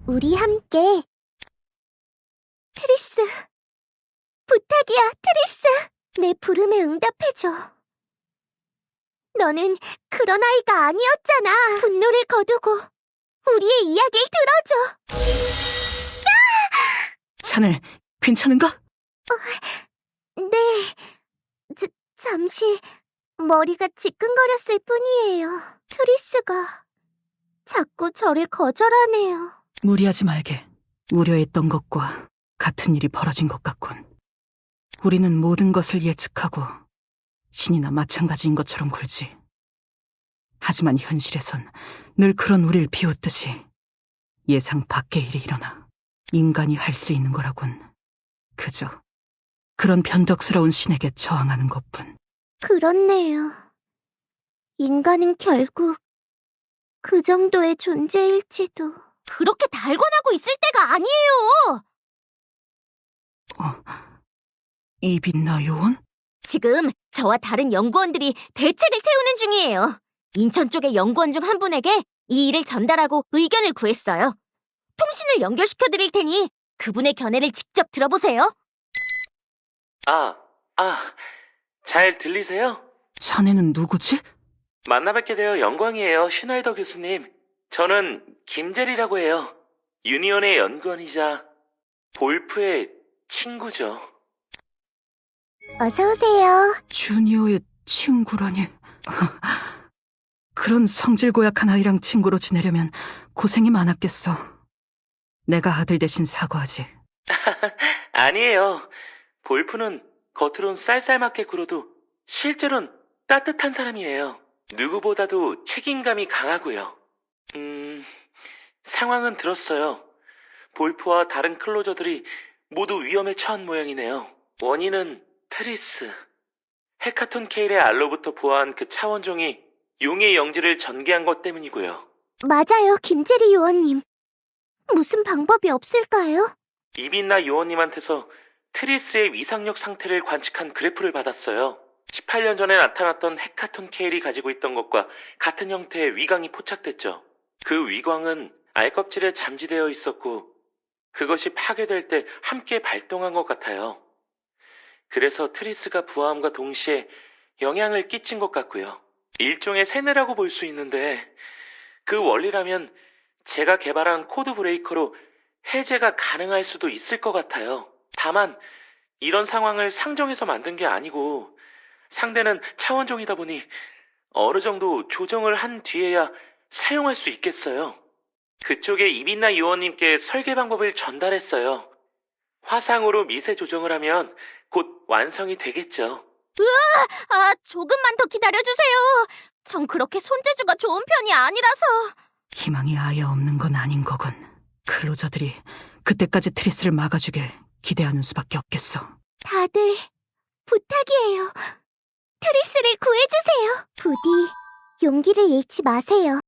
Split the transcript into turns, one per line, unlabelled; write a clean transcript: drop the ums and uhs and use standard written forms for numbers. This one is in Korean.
우리 함께. 트리스, 부탁이야, 트리스. 내 부름에 응답해줘. 너는 그런 아이가 아니었잖아. 분노를 거두고 우리의 이야기를 들어줘.
자네, 괜찮은가?
네, 잠시 머리가 지끈거렸을 뿐이에요. 트리스가 자꾸 저를 거절하네요.
무리하지 말게. 우려했던 것과 같은 일이 벌어진 것 같군. 우리는 모든 것을 예측하고 신이나 마찬가지인 것처럼 굴지. 하지만 현실에선 늘 그런 우릴 비웃듯이 예상 밖의 일이 일어나 인간이 할 수 있는 거라곤 그저 그런 변덕스러운 신에게 저항하는 것뿐.
그렇네요. 인간은 결국 그 정도의 존재일지도. 그렇게 달관하고 있을 때가 아니에요.
이빛나 요원?
지금 저와 다른 연구원들이 대책을 세우는 중이에요. 인천 쪽의 연구원 중 한 분에게 이 일을 전달하고 의견을 구했어요. 통신을 연결시켜드릴 테니 그분의 견해를 직접 들어보세요.
잘 들리세요?
자네는 누구지?
만나 뵙게 되어 영광이에요, 슈나이더 교수님. 저는 김재리라고 해요. 유니온의 연구원이자 볼프의 친구죠.
어서 오세요.
주니어의 친구라니. 그런 성질 고약한 아이랑 친구로 지내려면 고생이 많았겠어. 내가 아들 대신 사과하지.
아니에요. 볼프는 겉으론 쌀쌀맞게 굴어도 실제로는 따뜻한 사람이에요. 누구보다도 책임감이 강하고요. 상황은 들었어요. 볼프와 다른 클로저들이 모두 위험에 처한 모양이네요. 원인은 트리스. 헤카톤 케일의 알로부터 부화한 그 차원종이 용의 영지를 전개한 것 때문이고요.
맞아요, 김재리 요원님. 무슨 방법이 없을까요?
이빈나 요원님한테서 트리스의 위상력 상태를 관측한 그래프를 받았어요. 18년 전에 나타났던 헤카톤 케일이 가지고 있던 것과 같은 형태의 위광이 포착됐죠. 그 위광은 알껍질에 잠재되어 있었고 그것이 파괴될 때 함께 발동한 것 같아요. 그래서 트리스가 부화함과 동시에 영향을 끼친 것 같고요. 일종의 세뇌라고 볼 수 있는데 그 원리라면 제가 개발한 코드 브레이커로 해제가 가능할 수도 있을 것 같아요. 다만 이런 상황을 상정해서 만든 게 아니고 상대는 차원종이다 보니 어느 정도 조정을 한 뒤에야 사용할 수 있겠어요. 그쪽에 이빈나 요원님께 설계 방법을 전달했어요. 화상으로 미세 조정을 하면 곧 완성이 되겠죠.
조금만 더 기다려주세요. 전 그렇게 손재주가 좋은 편이 아니라서.
희망이 아예 없는 건 아닌 거군. 클로저들이 그때까지 트리스를 막아주길 기대하는 수밖에 없겠어.
다들 부탁이에요. 트리스를 구해주세요. 부디 용기를 잃지 마세요.